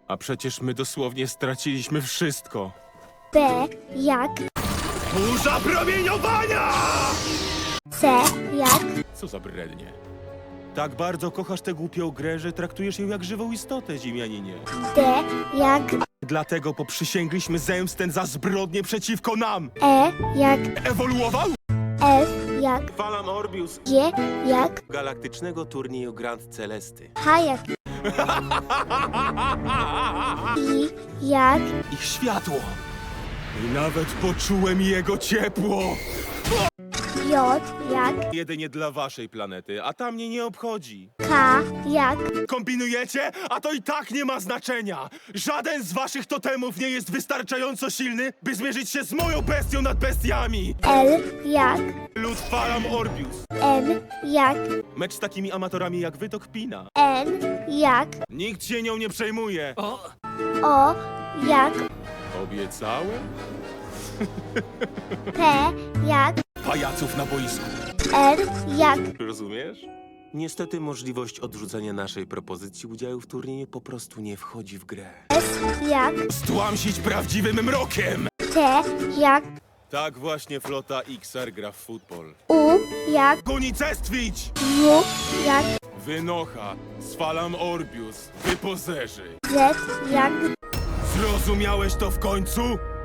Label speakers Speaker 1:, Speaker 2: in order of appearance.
Speaker 1: A przecież my dosłownie straciliśmy wszystko.
Speaker 2: B jak
Speaker 1: Burza promieniowania!
Speaker 2: C jak
Speaker 1: Co za brednie. Tak bardzo kochasz tę głupią grę, że traktujesz ją jak żywą istotę, Ziemianinie.
Speaker 2: D jak
Speaker 1: Dlatego poprzysięgliśmy zemstę za zbrodnie przeciwko nam.
Speaker 2: E jak
Speaker 1: Ewoluował?
Speaker 2: F jak
Speaker 1: Falam Orbius
Speaker 2: G jak
Speaker 1: galaktycznego turnieju Grand Celesty.
Speaker 2: H jak I jak
Speaker 1: Ich światło. I nawet poczułem jego ciepło.
Speaker 2: J jak
Speaker 1: Jedynie dla waszej planety, a ta mnie nie obchodzi.
Speaker 2: K jak
Speaker 1: Kombinujecie? A to i tak nie ma znaczenia! Żaden z waszych totemów nie jest wystarczająco silny, by zmierzyć się z moją bestią nad bestiami!
Speaker 2: L jak
Speaker 1: Lud Falam Orbius.
Speaker 2: N jak
Speaker 1: Mecz z takimi amatorami jak wy to kpina.
Speaker 2: N jak
Speaker 1: Nikt się nią nie przejmuje.
Speaker 2: O jak
Speaker 1: Obiecałem?
Speaker 2: P jak
Speaker 1: Pajaców na boisku.
Speaker 2: R jak
Speaker 1: Rozumiesz? Niestety możliwość odrzucenia naszej propozycji udziału w turnieju po prostu nie wchodzi w grę.
Speaker 2: S jak
Speaker 1: Stłamsić prawdziwym mrokiem!
Speaker 2: T jak
Speaker 1: Tak właśnie flota XR gra w futbol.
Speaker 2: U jak
Speaker 1: Unicestwić!
Speaker 2: W jak
Speaker 1: Wynocha, Falam Orbius, wy pozerzy.
Speaker 2: Z jak
Speaker 1: Zrozumiałeś to w końcu?